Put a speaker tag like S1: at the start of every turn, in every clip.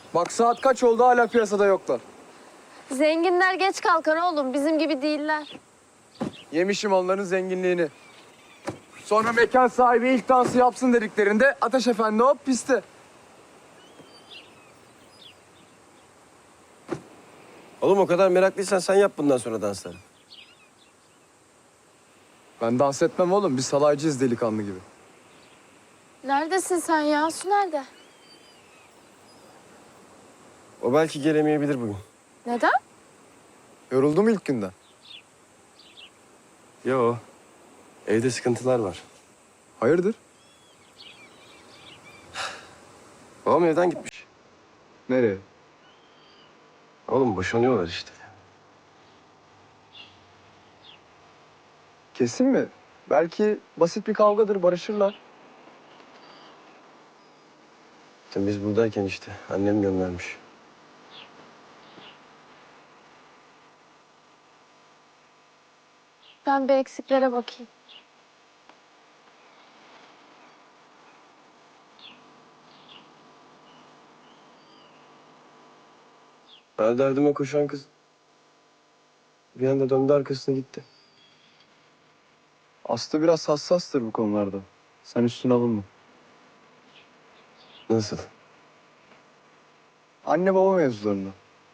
S1: Bak saat kaç oldu hala piyasada yoklar.
S2: Zenginler geç kalkar oğlum. Bizim gibi değiller.
S1: Yemişim onların zenginliğini. Sonra mekan sahibi ilk dansı yapsın dediklerinde Ateş Efendi hop piste.
S3: Oğlum o kadar meraklıysan sen yap bundan sonra dansları.
S1: Ben dans etmem oğlum. Biz salaycıyız delikanlı gibi.
S2: Neredesin sen ya? Su nerede?
S3: O belki gelemeyebilir bugün.
S2: Neden?
S1: Yoruldum ilk günden.
S3: Yo. Evde sıkıntılar var.
S1: Hayırdır?
S3: Babam evden gitmiş.
S1: Nereye?
S3: Oğlum boşanıyorlar işte.
S1: Kesin mi? Belki basit bir kavgadır, barışırlar.
S3: Sen biz buradayken işte annem göndermiş.
S2: Ben bir eksiklere bakayım.
S3: Her derdime koşan kız bir anda döndü arkasına gitti.
S1: Aslı biraz hassastır bu konularda. Sen üstüne alınma.
S3: Nasıl?
S1: Anne baba mevzularını.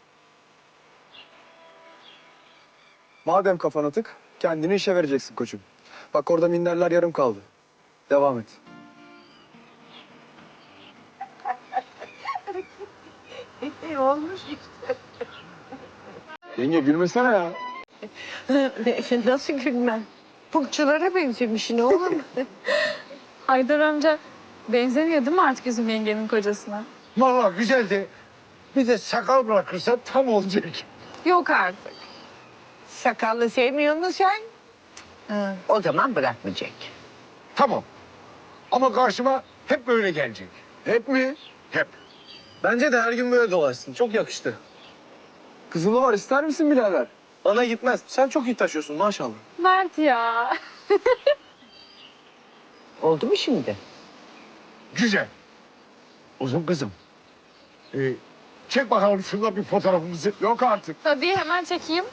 S1: Madem kafana tık, kendini işe vereceksin koçum. Bak orada minderler yarım kaldı. Devam et.
S4: Olmuş işte.
S1: Yenge gülmesene ya.
S4: Nasıl gülmem? Pulçulara benzemişsin oğlum.
S5: Haydar amca benzemiyor değil mi artık bizim yengenin kocasına?
S6: Vallahi güzeldi. Bir de sakal bırakırsan tam olacak.
S5: Yok artık.
S4: Sakallı sevmiyor musun sen? O zaman bırakmayacak.
S6: Tamam. Ama karşıma hep böyle gelecek.
S1: Hep mi?
S6: Hep.
S1: Bence de her gün böyle dolaşsın. Çok yakıştı. Kızılı var ister misin birader? Bana gitmez. Sen çok iyi taşıyorsun maşallah.
S5: Mert ya.
S4: Oldu mu şimdi?
S6: Güzel. Uzun kızım. Çek bakalım şurada bir fotoğrafımızı. Yok artık.
S5: Tabii hemen çekeyim.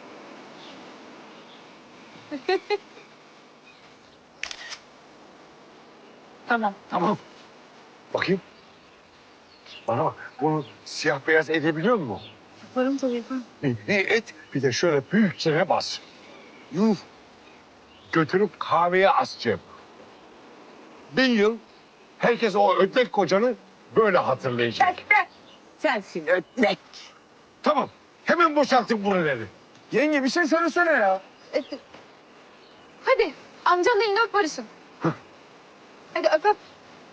S5: Tamam.
S6: Tamam. Bakayım. Bana bak. Bunu siyah beyaz edebiliyor musun?
S5: Yaparım tabii yaparım.
S6: Et. Bir de şöyle büyükçe bas. Yuh. Götürüp kahveye asacağım. 1000 yıl herkes o ödlek kocanı böyle hatırlayacak.
S4: Sensin ötlek.
S6: Tamam. Hemen boşaltın buraları.
S1: Yenge bir şey söylesene ya.
S5: Hadi amcanın elini öp barışın. Hadi öp öp.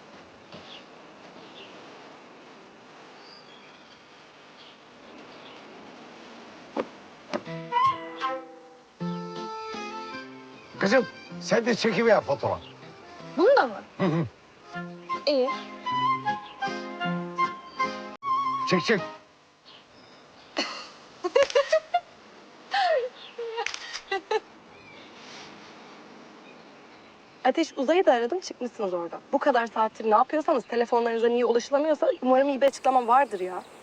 S6: Kızım sen de çekiver fotoğraf.
S5: Bunu da mı? İyi.
S6: Çek çek.
S7: Ateş Uzay'ı da aradım çıkmışsınız oradan. Bu kadar saattir ne yapıyorsanız telefonlarınıza niye ulaşılamıyorsa umarım iyi bir açıklama vardır ya.